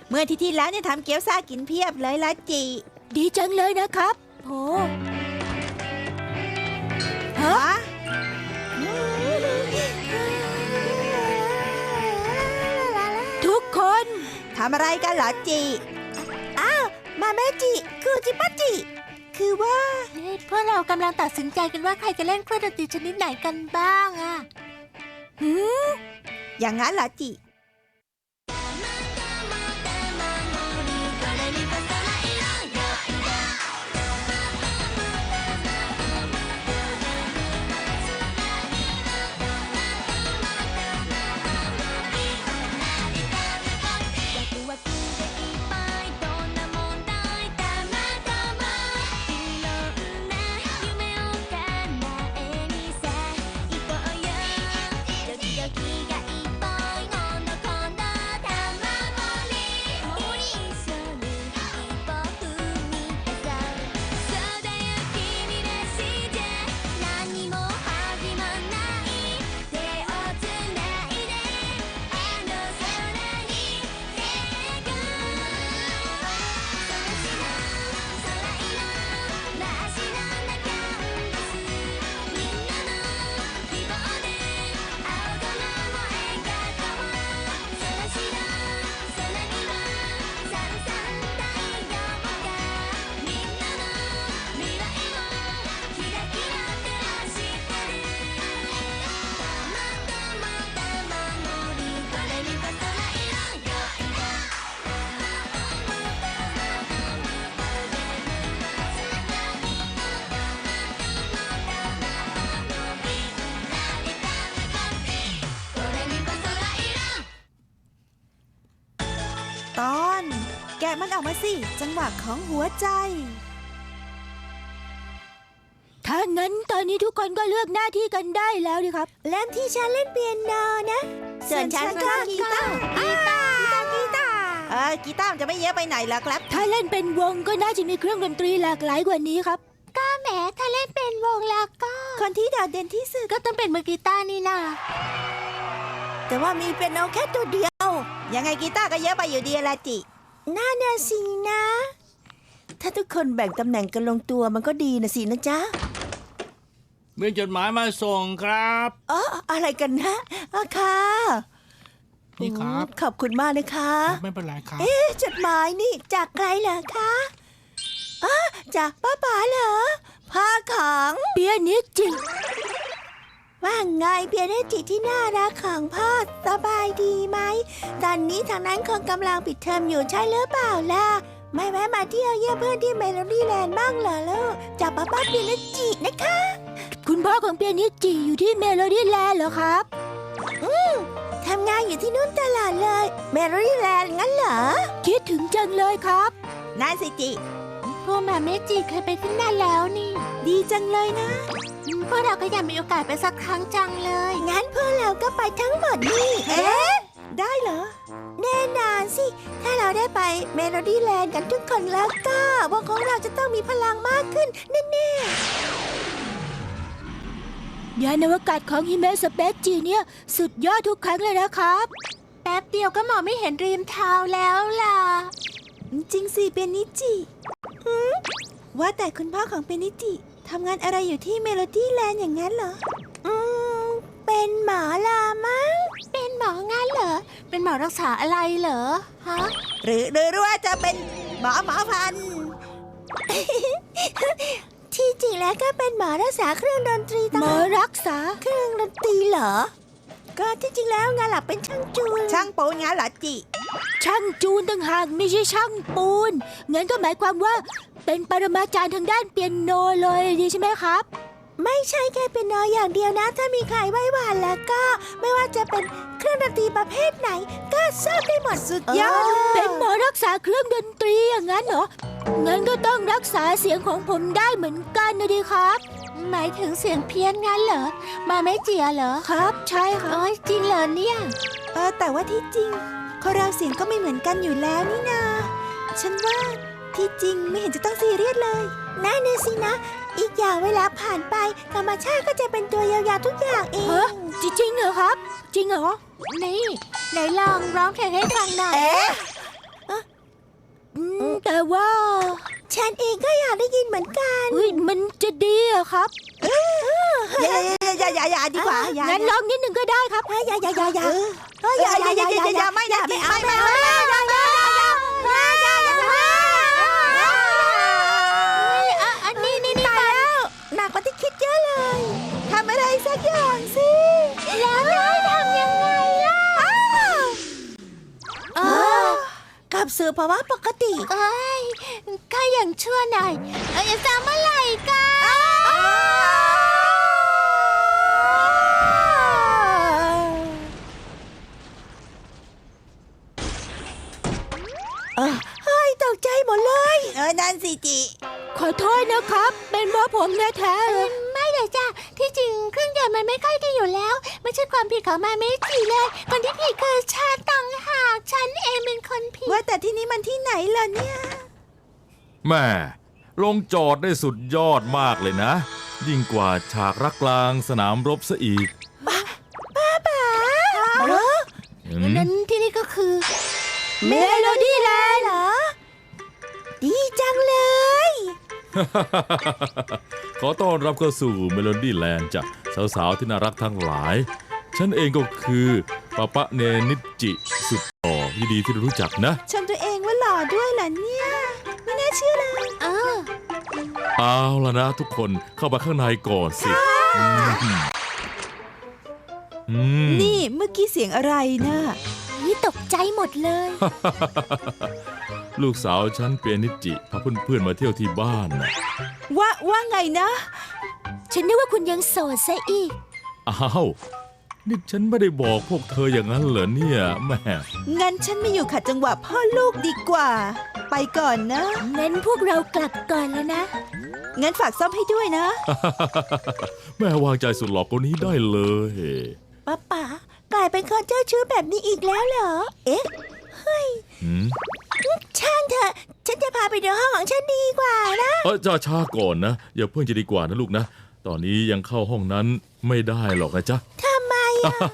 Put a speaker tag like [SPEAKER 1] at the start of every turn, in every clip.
[SPEAKER 1] เมื่อที่แล้วเนี่ยทำเกี๊ยวซ่ากินเพียบเลยละจิ
[SPEAKER 2] ดีจังเลยนะครับโหฮะทุกคน
[SPEAKER 1] ทำอะไรกันเหรอจิอ้าวมาเมจิคือจิปัจิคือว่า
[SPEAKER 2] พวกเรากำลังตัดสินใจกันว่าใครจะเล่นเครื่องดนตรีชนิดไหนกันบ้างอะ
[SPEAKER 1] อย่างนั้นเหรอจิตอนแกะมันออกมาสิจังหวะของหัวใจ
[SPEAKER 2] ถ้างั้นตอนนี้ทุกคนก็เลือกหน้าที่กันได้แล้วดิครับ
[SPEAKER 1] เล่นที่ฉันเล่นเปียโนนะส่วนฉันก็กีตาร์กีตาร์กีตาร์จะไม่เยอะไปไหนล่ะครับ
[SPEAKER 2] ถ้าเล่นเป็นวงก็น่าจะมีเครื่องดนตรีหลากหลายกว่านี้ครับก็แหมถ้าเล่นเป็นวงแล้วก็
[SPEAKER 1] คนที่โดดเด่นที่สุด
[SPEAKER 2] ก็ต้องเป็นมือกีตาร์นี่นา
[SPEAKER 1] แต่ว่ามีเปียโนแค่ตัวเดียวยังไงกีตาร์ก็เยอะไปอยู่ดีละจิน่าน่ะสินะถ้าทุกคนแบ่งตำแหน่งกันลงตัวมันก็ดีนะสินะจ๊ะ
[SPEAKER 3] มีจดหมายมาส่งครับ
[SPEAKER 1] อะไรกันนะค่ะ
[SPEAKER 3] นี่ครับ
[SPEAKER 1] ขอบคุณมากนะคะ
[SPEAKER 3] ไม่เป็นไรครับ
[SPEAKER 1] จดหมายนี่จากใครเหรอคะจากป้าป๋าเหรอพ่อของ
[SPEAKER 2] เปียโนจริง
[SPEAKER 1] ว่าไงเปียโนจิที่น่ารักของพ่อสบายดีไหมตอนนี้ทางนั้นคงกำลังปิดเทอมอยู่ใช่หรือเปล่าล่ะไม่แวะมาเที่ยวเยี่ยมเพื่อนที่เมโลดี้แลนด์บ้างเหรอลูกจากป้าเปียโนจินะคะ
[SPEAKER 2] คุณพ่อของเปียโนจิอยู่ที่เมโลดี้แลนด์เหรอครับ
[SPEAKER 1] ทำงานอยู่ที่นู่นตลอดเลยเมโลดี้แลนด์งั้นเหรอ
[SPEAKER 2] คิดถึงจังเลยครับ
[SPEAKER 1] นั่นสิจิ
[SPEAKER 2] พวกมาเมจิเคยไปที่นั่นแล้วนี่
[SPEAKER 1] ดีจังเลยนะ
[SPEAKER 2] พวกเราก็อยากมีโอกาสไปสักครั้งจังเลย
[SPEAKER 1] งั้นพวกเราก็ไปทั้งหมดนี่ได้เหรอแน่นอนสิถ้าเราได้ไปเมโลดี้แลนด์กันทุกคนแล้วก็วงของเราจะต้องมีพลังมากขึ้นแน่
[SPEAKER 2] ๆยานอวกาศของฮิเมะสเปซจีเนี่ยสุดยอดทุกครั้งเลยนะครับแป๊บเดียวก็มองไม่เห็นริมเท้าแล้วล่ะ
[SPEAKER 1] จริงสิเปียโนจิว่าแต่คุณพ่อของเปียโนจิทำงานอะไรอยู่ที่เมโลดี้แลนด์อย่างนั้นเหรอเป็นหมอลามั้ง
[SPEAKER 2] เป็นหมองานเหรอเป็นหมอรักษาอะไรเหรอฮะ
[SPEAKER 1] หรือว่าจะเป็นหมอพันที่จริงแล้วก็เป็นหมอรักษาเครื่องดนตรี
[SPEAKER 2] หมอรักษา
[SPEAKER 1] เครื่องดนตรีเหรอก็ที่จริงแล้วงานหลักเป็นช่างจูนช่างปูนงานเหรอจิ
[SPEAKER 2] ช่างจูนต่างหากไม่ใช่ช่างปูนงั้นก็หมายความว่าเป็นปรมาจารย์ทางด้านเปียโนเลยดีใช่ไหมครับ
[SPEAKER 1] ไม่ใช่แค่เปียโนอย่างเดียวนะถ้ามีใครไหว้วานแล้วก็ไม่ว่าจะเป็นเครื่องดนตรีประเภทไหนก็ทราบได้หมดสุดยอด
[SPEAKER 2] เป็นหมอรักษาเครื่องดนตรีอย่างนั้นเหรองั้นก็ต้องรักษาเสียงของผมได้เหมือนกันนะดิครับหมายถึงเสียงเพี้ยนงั้นเหรอมาไม่เจียเหรอครับใช่ค่ะจริงเหรอเนี่ย
[SPEAKER 1] แต่ว่าที่จริงคนเราเสียงก็ไม่เหมือนกันอยู่แล้วนี่นาฉันว่าที่จริงไม่เห็นจะต้องซีเรียสเลยนั่นน่ะสินะอีกอย่างเวลาผ่านไปธรรมชาติก็จะเป็นตัวยาวๆทุกอย่างเอง
[SPEAKER 2] จริงเหรอครับจริงเหรอนี่ไหนลองร้องเพลงให้ฟังหน่อยแต่ว่า
[SPEAKER 1] ฉันเองก็อยากได้ยินเหมือนกัน
[SPEAKER 2] เฮ้ยมันจะดีอะครับ
[SPEAKER 1] อย่าดีกว่าอย่า
[SPEAKER 2] งั้นลองนิดหนึ่งก็ได้ครับ
[SPEAKER 1] อย่าไม่
[SPEAKER 2] อันนี้
[SPEAKER 1] ตายแล้วหนักกว่าที่คิดเยอะเลยทำอะไรสักอย่างสิแล้วทำยังไงล่ะกลับสู่ภาวะปกติ
[SPEAKER 2] เอ้ยข้ายังชั่วหน่อยจะเมื่อไหร่กัน
[SPEAKER 1] เฮ้ยตกใจหมดเลยนั่นสิจิ
[SPEAKER 2] ขอโทษนะครับ เป็นเพราะผมแท้ๆเลยไม่เลยจ้ะที่จริงเครื่องยนต์มันไม่ค่อยดีอยู่แล้ว ไม่ใช่ความผิดของมาเมจิเลยคนที่ผิดคือฉันต่างหากฉันเองเป็นคนผิด
[SPEAKER 1] ว่าแต่ที่นี่มันที่ไหนล่ะเนี่ย
[SPEAKER 4] แม่ลงจอดได้สุดยอดมากเลยนะ ยิ่งกว่าฉากรักกลางสนามรบซะอีก
[SPEAKER 2] นั้นที่นี่ก็คือ
[SPEAKER 1] เมโลดี้แลนด์เหรอ ดีจังเลย
[SPEAKER 4] ขอต้อนรับเข้าสู่เมโลดี้แลนด์จ้ะสาวๆที่น่ารักทั้งหลาย ฉันเองก็คือปะปะเนนิจิสุดหล่อยินดีที่ได้รู้จักนะ
[SPEAKER 1] ชมตัวเองว่าหล่อด้วยเหรอเนี่ย ไม่น่าเชื่อเลย
[SPEAKER 4] เอาละนะทุกคนเข้ามาข้างในก่อนสิม
[SPEAKER 1] นี่เมื่อกี้เสียงอะไรนะ
[SPEAKER 2] นี่ตกใจหมดเลย
[SPEAKER 4] ลูกสาวฉันเปียนิจิพาเพื่อนๆมาเที่ยวที่บ้านนะ
[SPEAKER 1] ว่าไงนะ
[SPEAKER 2] ฉันนึกว่าคุณยังโสดซะอีก
[SPEAKER 4] อ้าวนี่ฉันไม่ได้บอกพวกเธออย่างนั้นเหรอเนี่ยแม่
[SPEAKER 1] งั้นฉันไม่อยู่ขัดจังหวะพ่อลูกดีกว่า ไปก่อนนะ
[SPEAKER 2] งั้นพวกเรากลับก่อนแล้วนะ
[SPEAKER 1] งั้นฝากซ่อมให้ด้วยนะ
[SPEAKER 4] แม่วางใจสุดหล่อคนนี้ได้เลย
[SPEAKER 1] ป๊ากลายเป็นคนเจ้าชู้แบบนี้อีกแล้วเหรอ เอ๊ะ
[SPEAKER 4] หืม
[SPEAKER 1] ช่างเถอะ ฉันจะพาไปดูห้องของฉันดีกว่านะ
[SPEAKER 4] จะช้าก่อนนะอย่าเพิ่งจะดีกว่านะลูกนะ ตอนนี้ยังเข้าห้องนั้นไม่ได้หรอกนะจ๊ะ
[SPEAKER 1] ทำไมอ่ะ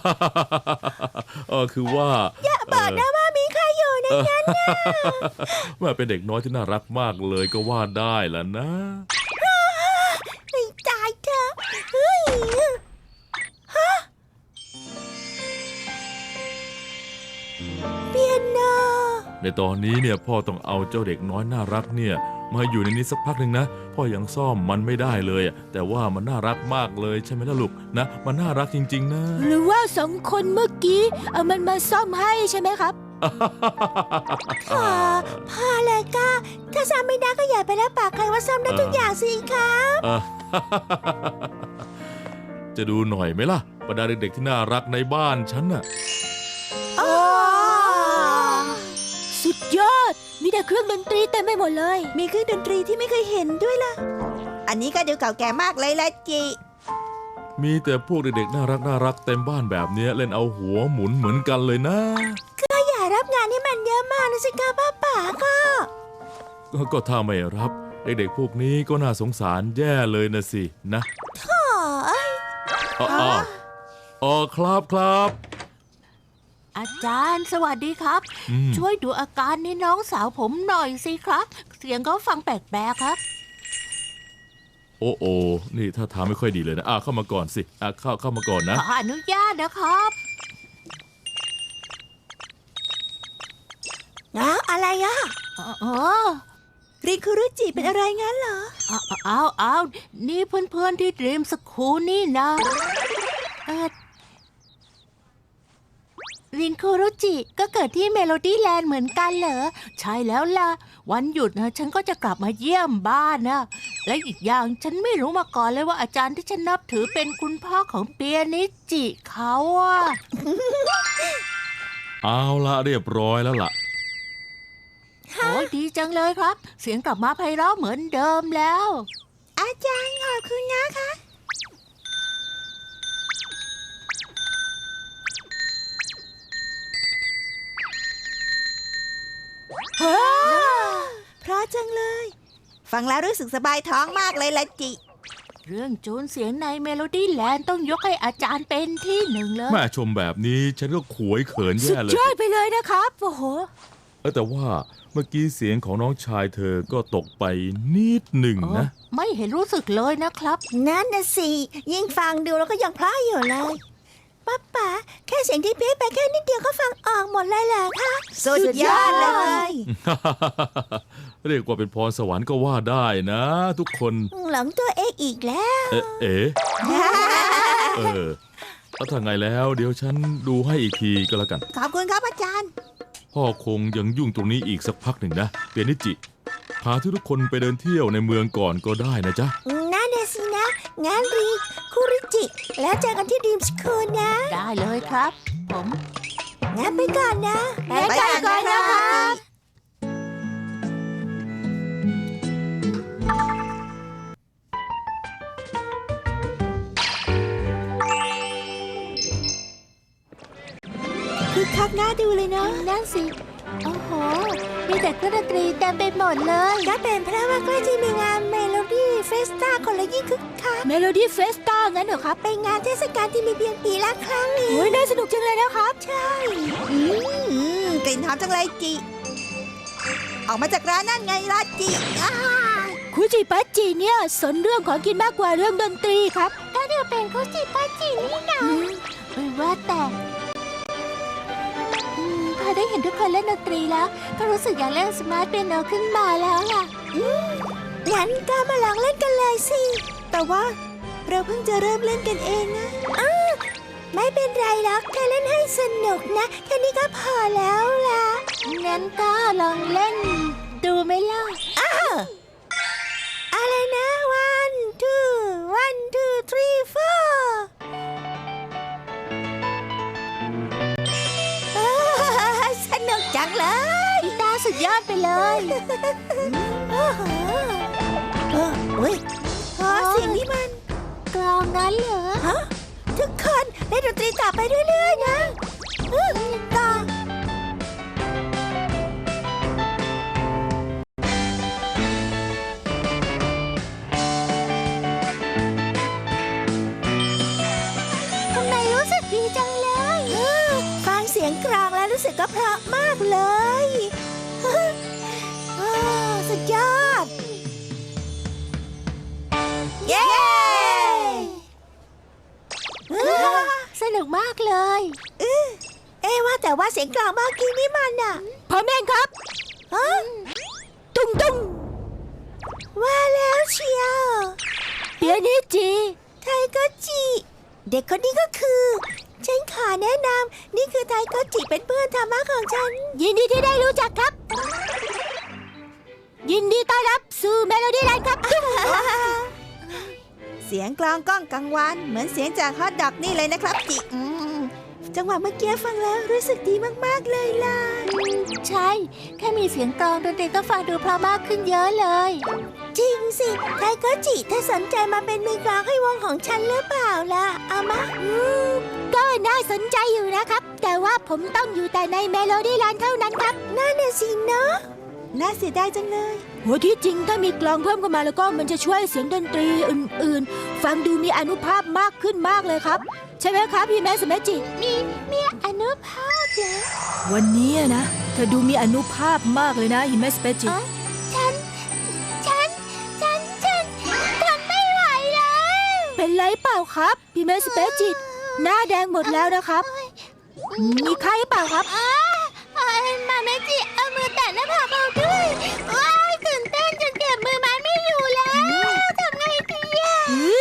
[SPEAKER 4] คือว่า
[SPEAKER 1] อย่าบอกนะว่ามีใครอยู่ในนั้นนะ
[SPEAKER 4] แม่เป็นเด็กน้อยที่น่ารักมากเลยก็ว่าได้ล่ะนะ
[SPEAKER 1] ไม่ตายเถอะเฮ้ยเปียโน
[SPEAKER 4] ในตอนนี้เนี่ยพ่อต้องเอาเจ้าเด็กน้อยน่ารักเนี่ยมาอยู่ในนี้สักพักหนึ่งนะพ่อยังซ่อมมันไม่ได้เลยอะแต่ว่ามันน่ารักมากเลยใช่ไหมล่ะลูกนะมันน่ารักจริงๆนะ
[SPEAKER 2] หรือว่าสองคนเมื่อกี้เอามันมาซ่อมให้ใช่ไหมครับ
[SPEAKER 1] พ่อเลยก็ถ้าซ่อมไม่ได้ก็อย่าไปรับปากใครว่าซ่อมได้ทุกอย่างสิครับ
[SPEAKER 4] จะดูหน่อยไหมล่ะบรรดาเด็กๆที่น่ารักในบ้านฉันน่ะ
[SPEAKER 2] สุดยอด มีแต่เครื่องดนตรีเต็มไปหมดเลย
[SPEAKER 1] มีเครื่องดนตรีที่ไม่เคยเห็นด้วยล่ะ อันนี้ก็ดูเก่าแก่มากเลยละจิ
[SPEAKER 4] มีแต่พวกเด็กๆน่ารักเต็มบ้านแบบเนี้ยเล่นเอาหัวหมุนเหมือนกันเลยนะ
[SPEAKER 1] ก็อย่ารับงานที่มันเยอะมากนะสิครับป้าก็
[SPEAKER 4] ก็ถ้าไม่รับเด็กๆพวกนี้ก็น่าสงสารแย่เลยนะสินะ ครับ
[SPEAKER 2] อาจารย์สวัสดีครับ ช่วยดูอาการในน้องสาวผมหน่อยสิครับ เสียงก็ฟังแปลกๆครับ
[SPEAKER 4] โอ้นี่ถ้าทางไม่ค่อยดีเลยนะเข้ามาก่อนสิเข้ามาก่อนนะ
[SPEAKER 2] ขออนุญาตนะครับ
[SPEAKER 1] อะไรอ่ะ
[SPEAKER 2] อ๋อ
[SPEAKER 1] ริคุรุจิเป็นอะไรงั้นเหรอ
[SPEAKER 2] เอานี่เพื่อนๆที่เตรียมสคูลนี่นะรินคุรุจิก็เกิดที่เมโลดี้แลนด์เหมือนกันเหรอ ใช่แล้วล่ะ วันหยุดนะฉันก็จะกลับมาเยี่ยมบ้านนะ และอีกอย่างฉันไม่รู้มาก่อนเลยว่าอาจารย์ที่ฉันนับถือเป็นคุณพ่อของเปียนิจิเขาอะ
[SPEAKER 4] เอาละเรียบร้อยแล้วล่ะ
[SPEAKER 2] โอ้ยดีจังเลยครับ เสียงกลับมาไพเราะเหมือนเดิมแล้ว
[SPEAKER 1] อาจารย์ขอบคุณนะคะ เพราะจังเลย ฟังแล้วรู้สึกสบายท้องมากเลยละจิ
[SPEAKER 2] เรื่องจูนเสียงในเมโลดี้แลนด์ต้องยกให้อาจารย์เป็นที่หนึ่งเลย
[SPEAKER 4] แม่ชมแบบนี้ฉันก็ขวยเขิน
[SPEAKER 2] สุด
[SPEAKER 4] แย่เลย
[SPEAKER 2] ยอดไปเลยนะครับ โอ้โห
[SPEAKER 4] แต่ว่าเมื่อกี้เสียงของน้องชายเธอก็ตกไปนิดหนึ่งนะ
[SPEAKER 2] ไม่เห็นรู้สึกเลยนะครับ
[SPEAKER 1] นั่นน่ะสิยิ่งฟังดูแล้วก็ยังเพราะอยู่เลยป๊าแค่เสียงที่เพี้ยนไปแค่นิดเดียวก็ฟังออกหมดเลยเหรอคะสุดยอดเลย
[SPEAKER 4] เรียกว่าเป็นพรสวรรค์ก็ว่าได้นะทุกคน
[SPEAKER 1] หลงตัวเองอีกแล้ว
[SPEAKER 4] เอ๋แล้วถ้าไงแล้วเดี๋ยวฉันดูให้อีกทีก็แล้วกัน
[SPEAKER 1] ขอบคุณครับอาจารย์
[SPEAKER 4] พ่อคงยังยุ่งตรงนี้อีกสักพักหนึ่งนะเปียนิจิพาทุกคนไปเดินเที่ยวในเมืองก่อนก็ได้นะจ๊ะ
[SPEAKER 1] นั่นน่ะสินะงั้นรีคุริจิ แล้วเจอกันที่ดีมสคูลนะ
[SPEAKER 2] ได้เลยครับ ผม
[SPEAKER 1] งั้นไปก่อนนะ
[SPEAKER 2] ไปก่อนนะครับ
[SPEAKER 1] คือคักหน้าดูเลยเนาะ
[SPEAKER 2] นั่นสิ โอ้โห มีแต่เครื่องดนตรีเต็มไปหมดเลย
[SPEAKER 1] ก็เป็นเพราะว่าใกล้จะมีงานเมโลดี้เฟสตาคนละยิ่งคึกคัก
[SPEAKER 2] เมโลดี้เฟสตางั้นเหรอครับ
[SPEAKER 1] เป็นงานเทศกาลที่มีเพียงปีละครั้งนี้
[SPEAKER 2] โอ้ยน่าสนุกจังเลยนะครับ
[SPEAKER 1] ใช่กลิ่นหอมจังเลยจิ ออกมาจากร้านนั่นไงล่ะจิอ้า
[SPEAKER 2] คุจิปัจจิเนี่ยสนเรื่องของกินมากกว่าเรื่องดนตรีครับก็เดี๋ยวเป็นคุจิปัจจินี่นะว่าแต่พอได้เห็นทุกคนเล่นดนตรีแล้ว ก็รู้สึกอยากเล่นสมาร์ทเปียโนขึ้นมาแล้วล่ะ
[SPEAKER 1] งั้นก็มาลองเล่นกันเลยสิ แต่ว่าเราเพิ่งจะเริ่มเล่นกันเองนะไม่เป็นไรหรอกแค่เล่นให้สนุกนะ แค่นี้ก็พอแล้วล่ะ
[SPEAKER 2] งั้นก็ลองเล่นดูไหมล่ะ
[SPEAKER 1] อะไรนะ one two 3 4สนุกจังเลย
[SPEAKER 2] กีตาร์สุดยอดไปเลย
[SPEAKER 1] อุ้ยเสียงนี้มัน
[SPEAKER 2] กลองนั้นเหรอ
[SPEAKER 1] ฮะทุกคนเล่นดนตรีต่อไปเรื่อยๆนะต่อ
[SPEAKER 2] ทำไมรู้สึกดีจังเลย
[SPEAKER 1] ฟังเสียงกลองแล้วรู้สึกก็เพราะมากเลยสุดยอด เย้
[SPEAKER 2] สนุกมากเลย
[SPEAKER 1] ว่าแต่ว่าเสียงกลองเมื่อกี้นี่มันอ่ะ
[SPEAKER 2] พ่อแม่ครับ
[SPEAKER 1] ฮะ
[SPEAKER 2] ตุ้งตุ้ง
[SPEAKER 1] ว่าแล้วเชียว
[SPEAKER 2] เปียนิจิ
[SPEAKER 1] ไทโกจิ เด็กคนนี้ก็คือ ฉันขอแนะนำนี่คือไทโกจิเป็นเพื่อนธรรมะของฉัน
[SPEAKER 2] ยินดีที่ได้รู้จักครับ ยินดีต้อนรับสู่เมโลดี้แลนด์ครับ
[SPEAKER 1] เสียงกลองก้องกังวานเหมือนเสียงจากฮอตดอกนี่เลยนะครับจิจังหวะเมื่อกี้ฟังแล้วรู้สึกดีมากๆเลยล่ะ
[SPEAKER 2] ใช่ แค่มีเสียงกลองดนตรีก็ฟังดูเพราะมากขึ้นเยอะเลย
[SPEAKER 1] จริงสิไทโกจิเธอสนใจมาเป็นมือกลองให้วงของฉันหรือเปล่าล่ะเอามา
[SPEAKER 2] ก็น่าสนใจอยู่นะครับ แต่ว่าผมต้องอยู่แต่ในเมโลดี้แลนด์เท่านั้นครับ
[SPEAKER 1] นั่นน่ะสิเนาะน่าเสียดายจังเลย
[SPEAKER 2] โหที่จริงถ้ามีกลองเพิ่มเข้ามาแล้วก็มันจะช่วยเสียงดนตรีอื่นๆ ฟังดูมีอานุภาพมากขึ้นมากเลยครับ ใช่ไหมครับพี่แม่สมัจิ มีอานุภาพเหรอ
[SPEAKER 5] วันนี้นะเธอดูมีอนุภาพมากเลยนะฮิเมสเปจิ
[SPEAKER 2] ฉันทนไม่ไหวแล้ว เป็นไรเปล่าครับพี่แม่สเปจิหน้าแดงหมดแล้วนะครับ มีใครเปล่าครับมาเมจิเอามือแตะหน้าผากเราด้วยว้ายตื่นเต้นจนเก็บมือไม้ไม่อยู่แล้วทำไงดีอ่ะ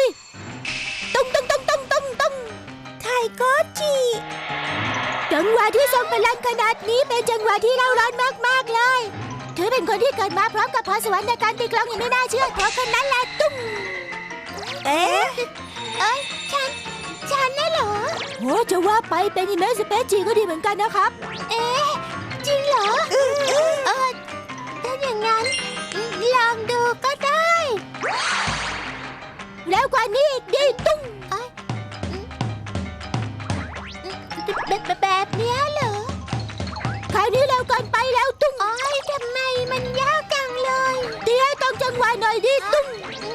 [SPEAKER 2] ตุ้ง
[SPEAKER 1] ไทโกจิ
[SPEAKER 2] จังหวะที่ทรงพลังขนาดนี้เป็นจังหวะที่เราร้อนมากๆเลยเธอเป็นคนที่เกิดมาพร้อมกับพรสวรรค์ในการตีกลองอย่างไม่น่าเชื่อเพราะคนนั้นแหละตุ้ง
[SPEAKER 1] เอ๊ะ
[SPEAKER 2] ฉันน่ะเหรอโอ้จะว่าไปเป็นฮิเมสเปจิก็ดีเหมือนกันนะครับ จริงเหรอถ้าอย่างนั้นลองดูก็ได้แล้วกว่านี้อีกดีตุ้งแบบเนี้ยเหรอคราวนี้เร็วเกินไปแล้วตุ้งทำไมมันยากจังเลยตีให้ตรงจังหวะหน่อยดิตุ้ง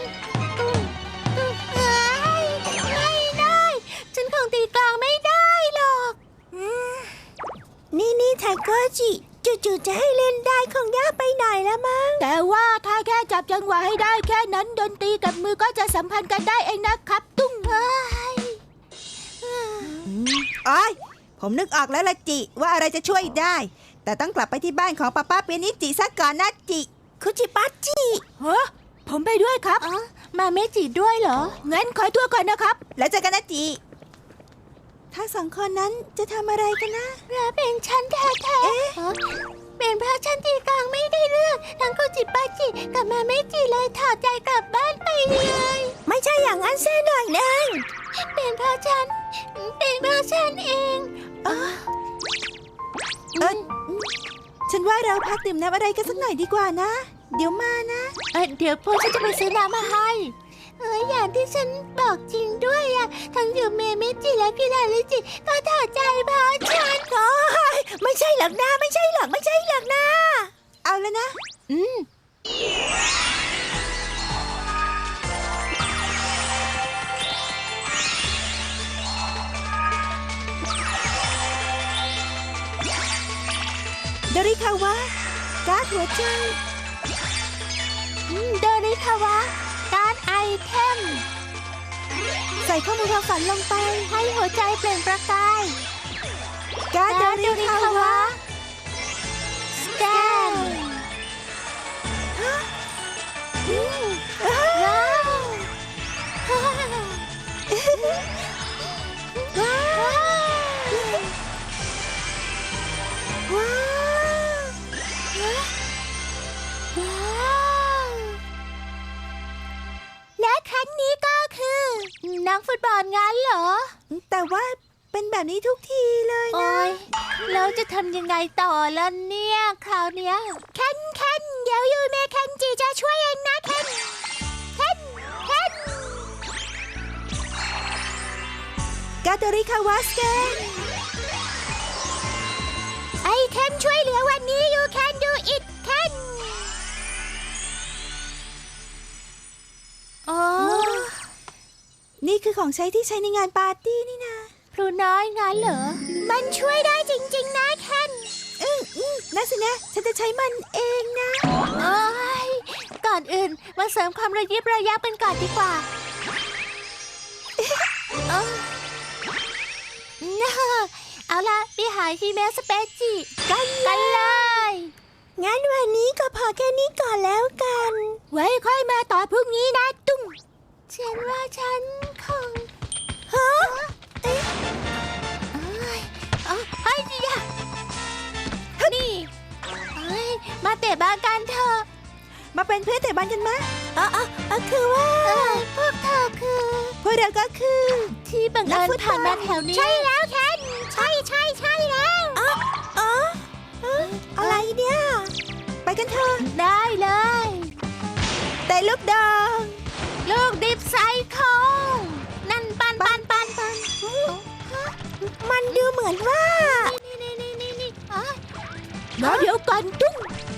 [SPEAKER 2] ไม่ได้ฉันคงตีกลองไม่ได้หรอก
[SPEAKER 1] นี่ไทโกให้เล่นได้คงยากไปหน่อยละมั้ง
[SPEAKER 2] แต่ว่าถ้าแค่จับจังหวะให้ได้แค่นั้นดนตรีกับมือก็จะสัมพันธ์กันได้เองนะครับ ตุ้งเอ้ย
[SPEAKER 1] อ้อยผมนึกออกแล้วละจิว่าอะไรจะช่วยได้ แต่ต้องกลับไปที่บ้านของป้าเปียนิจิซะก่อนนะจิคุจิปัจิ
[SPEAKER 2] ฮะผมไปด้วยครับมาเมจิด้วยเหรองั้นขอตัวก่อนนะครับ
[SPEAKER 1] แล้วเจอกันนะจิถ้าสองคนนั้นจะทำอะไรกันนะ
[SPEAKER 2] และเป็นฉันแท้ๆเป็นเพราะฉันตีกลางไม่ได้เรื่องทั้งกุจิปาจิกับมาเมจิเลยถอดใจกลับบ้านไปเลย
[SPEAKER 1] ไม่ใช่อย่างนั้นเส้นหน่อยนึง
[SPEAKER 2] เป็นเพราะฉันเอง
[SPEAKER 1] ฉันว่าเราพักดื่มน้ำอะไรกันสักหน่อยดีกว่านะ เดี๋ยวมานะ
[SPEAKER 2] เดี๋ยวพวกฉันจะไปซื้อน้ำมาให้อย่างที่ฉันบอกจริงด้วยอะทั้งยูเมเมจิและพิลาลิจิก็ถอดใจเพราะฉัน
[SPEAKER 1] ไม่ใช่หรอกนะไม่ใช่หรอกนะ เอาแล้วนะ โดริคาวะการ์ดหัวใจ
[SPEAKER 2] โดริคาวะการ์ดไอเทม
[SPEAKER 1] ใส่ข้อมูลความฝันลงไป
[SPEAKER 2] ให้หัวใจเปล่งประกาย
[SPEAKER 1] การ์ดโดริคาวะ
[SPEAKER 2] สแกนว้าวว้าว
[SPEAKER 1] ว้าว
[SPEAKER 2] และครั้งนี้ก็คือนักฟุตบอลงั้นเหรอ
[SPEAKER 1] แต่ว่าเป็นแบบนี้ทุกทีเลยนะ
[SPEAKER 2] โอ้ยแล้วจะทำยังไงต่อล่ะเนี่ย คราวเนี้ยเคนเดี๋ยวยูเมเคนจิจะช่วยเองนะเคน
[SPEAKER 1] การ์ดโดริคาวะสแกน
[SPEAKER 2] ไอเทมช่วยเหลือวันนี้ you can do it เคนอ๋อ
[SPEAKER 1] นี่คือของใช้ที่ใช้ในงานปาร์ตี้นี่นะ
[SPEAKER 2] พลูน้อยงั้นเหรอ มันช่วยได้จริงๆนะเคน
[SPEAKER 1] นั่นสินะ ฉันจะใช้มันเองนะ
[SPEAKER 2] โอ้ยก่อนอื่นมาเสริมความระยิบระยับกันก่อนดีกว่าเอาล่ะไปหาฮิเมะสเปจิกันเลย
[SPEAKER 1] งั้นวันนี้ก็พอแค่นี้ก่อนแล้วกัน
[SPEAKER 2] ไว้ค่อยมาต่อพรุ่งนี้นะตุ้มฉันว่าฉันคง
[SPEAKER 1] ฮะ
[SPEAKER 2] เอ้ยเฮ้ยอย่านี่มาเตะบาสกันเถอะ
[SPEAKER 1] มาเป็นเพื่อนแต่บ้านกันมะคือว่า
[SPEAKER 2] พวกเธอคือ
[SPEAKER 1] พวกเราก็คือ
[SPEAKER 2] ที่บังเอิญผ่านมาแถวนี้ ใช่แล้วแคนใช่แล้ว
[SPEAKER 1] อะไรเนี่ย ไปกันเถอะ
[SPEAKER 2] ได้เลย
[SPEAKER 1] แต่ลูกดอง
[SPEAKER 2] ลูกดิบไซโคนั่นปัน
[SPEAKER 1] มันดูเหมือนว่า
[SPEAKER 2] นี่แล้วเดี๋ยวก่อนตุ้ง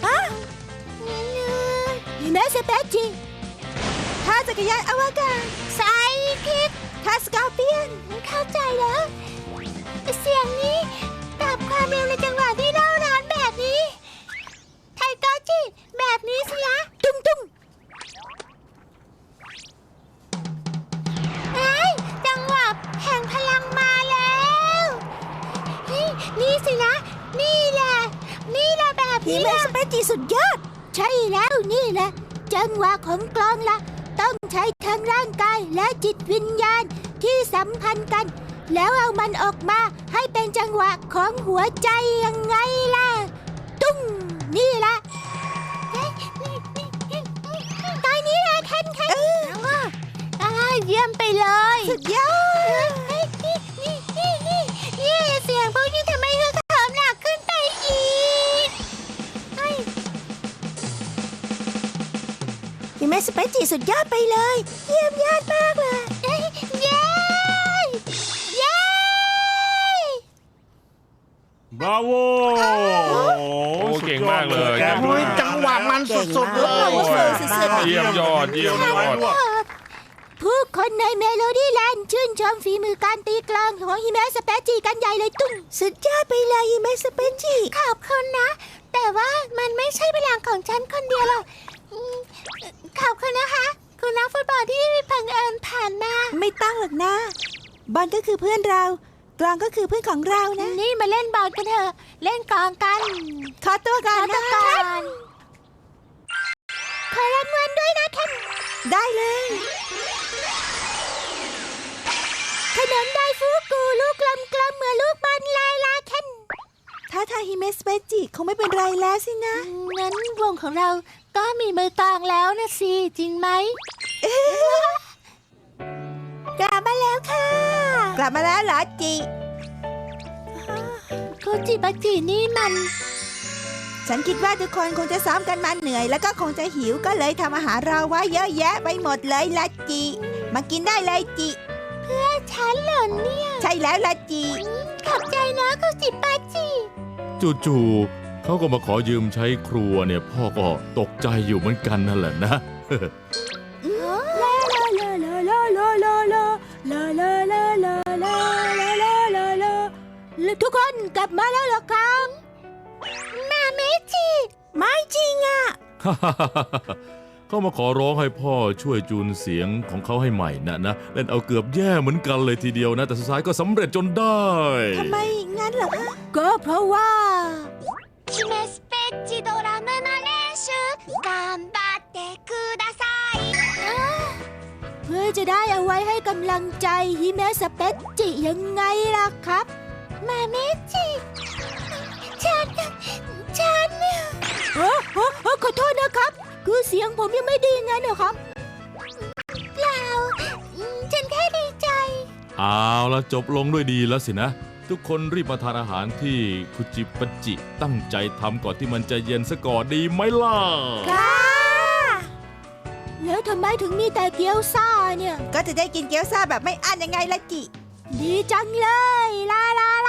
[SPEAKER 2] มีแม่สเปจิ
[SPEAKER 1] ท่าจักรยานอวกาศ
[SPEAKER 2] ไซคิก
[SPEAKER 1] ท่าสกอร์เปียน
[SPEAKER 2] เข้าใจแล้ว เสียงนี้กับความเร็วในจังหวะที่เล่าร้านแบบนี้ ไทโกจิแบบนี้สิละตุ้งจังหวะแห่งพลังมาแล้วนี่สินะนี่แหละแบบ
[SPEAKER 1] ฮี
[SPEAKER 2] นี้
[SPEAKER 1] เมะสเปจิสุดยอด
[SPEAKER 2] ใช่แล้วนี่แหละจังหวะของกลองละต้องใช้ทั้งร่างกายและจิตวิญญาณที่สัมพันธ์กัน แล้วเอามันออกมาให้เป็นจังหวะของหัวใจยังไงล่ะตุ้งนี่แหละตอนนี้เลยเคนเยี่ยมไปเลย
[SPEAKER 1] สุดยอด
[SPEAKER 2] นี่เสียงพวกนี้ทำไมเธอเถิมหนักขึ้นไปอีก
[SPEAKER 1] ฮีเมะสเปจิสุดยอดไปเลย เยี่ยมยอดมากเลย
[SPEAKER 2] เย้
[SPEAKER 3] บราโว
[SPEAKER 4] โอ้เก่งมากเลย
[SPEAKER 3] โอ้ยจังหวะมันสุดๆเลย
[SPEAKER 1] สุดๆ
[SPEAKER 4] เยี่ยมยอด
[SPEAKER 2] ผู้คนในเมโลดี้แลนด์ชื่นชมฝีมือการตีกลองของฮิเมะสเปจิกันใหญ่เลยตุ้ง
[SPEAKER 1] สุดยอดไปเลยฮิเมะสเปจิ
[SPEAKER 2] ขอบคุณนะ แต่ว่ามันไม่ใช่พลังของฉันคนเดียวหรอกขอบคุณนะคะ คุณนักฟุตบอลที่บังเอิญผ่านมา
[SPEAKER 1] ไม่ต้องหรอกนะ บอลก็คือเพื่อนเรา กลองก็คือเพื่อนของเรานะ
[SPEAKER 2] นี่มาเล่นบอลกันเถอะ เล่นกลองกัน
[SPEAKER 1] ขอตัวก่อนนะ
[SPEAKER 2] ขอรางวัลด้วยนะแคน
[SPEAKER 1] ได้เลย
[SPEAKER 2] ขนมไดฟูกุลูกกลมๆเหมือนลูกบอลลายลาแคน
[SPEAKER 1] ถ้าทางฮิเมะสเปจิคงไม่เป็นไรแล้วสินะ
[SPEAKER 2] งั้นวงของเราก็มีมือกลองแล้วนะสิ จริงไหม
[SPEAKER 1] กลับมาแล้วค่ะ กลับมาแล้วเหรอจิ
[SPEAKER 2] โคจิบาจินี่มัน
[SPEAKER 1] ฉันคิดว่าทุกคนคงจะซ้อมกันมาเหนื่อย แล้วก็คงจะหิวก็เลยทำอาหารเราไว้เยอะแยะไปหมดเลยละจิ มากินได้เลยจิ
[SPEAKER 2] ฉันเหรอเนี่ย
[SPEAKER 1] ใช่แล้วละจิ
[SPEAKER 2] ขอบใจนะโคจิบาจิ
[SPEAKER 4] จู่ๆเขาก็มาขอยืมใช้ครัวเนี่ย พ่อก็ตกใจอยู่เหมือนกันนั่นแหละนะ
[SPEAKER 5] ลาลาลาลาลาลาลาลาลาลาลาลาลาลาลาลาลาทุกคนกลับมาแล้วเหรอครับ
[SPEAKER 2] มาเมจิ
[SPEAKER 1] ไม่จริงอ่ะ
[SPEAKER 4] เขามาขอร้องให้พ่อช่วยจูนเสียงของเขาให้ใหม่นะเล่นเอาเกือบแย่เหมือนกันเลยทีเดียวนะ แต่สุดท้ายก็สำเร็จจนได้
[SPEAKER 1] ทำไมงั้นเหรอคะ
[SPEAKER 5] ก็เพราะว่า
[SPEAKER 2] ฮิเมะสเปจิドラムの練習頑張ってくださいเพื่อจะได้เอาไว้ให้กำลังใจฮิเมะสเปจิยังไงล่ะครับ มาเมจิฉันขอโทษนะครับ คือเสียงผมยังไม่ดีงั้นเหรอครับเปล่าฉันแค่ดีใจ
[SPEAKER 4] เอาละจบลงด้วยดีแล้วสินะ ทุกคนรีบมาทานอาหารที่คุจิปะจิตั้งใจทำก่อนที่มันจะเย็นซะก่อนดีไหมล่ะ
[SPEAKER 2] แล้วทำไมถึงมีแต่เกี๊ยวซ่าเนี่ย
[SPEAKER 1] ก็จะได้กินเกี๊ยวซ่าแบบไม่อั้นยังไงละจิ
[SPEAKER 2] ดีจังเลยลาลา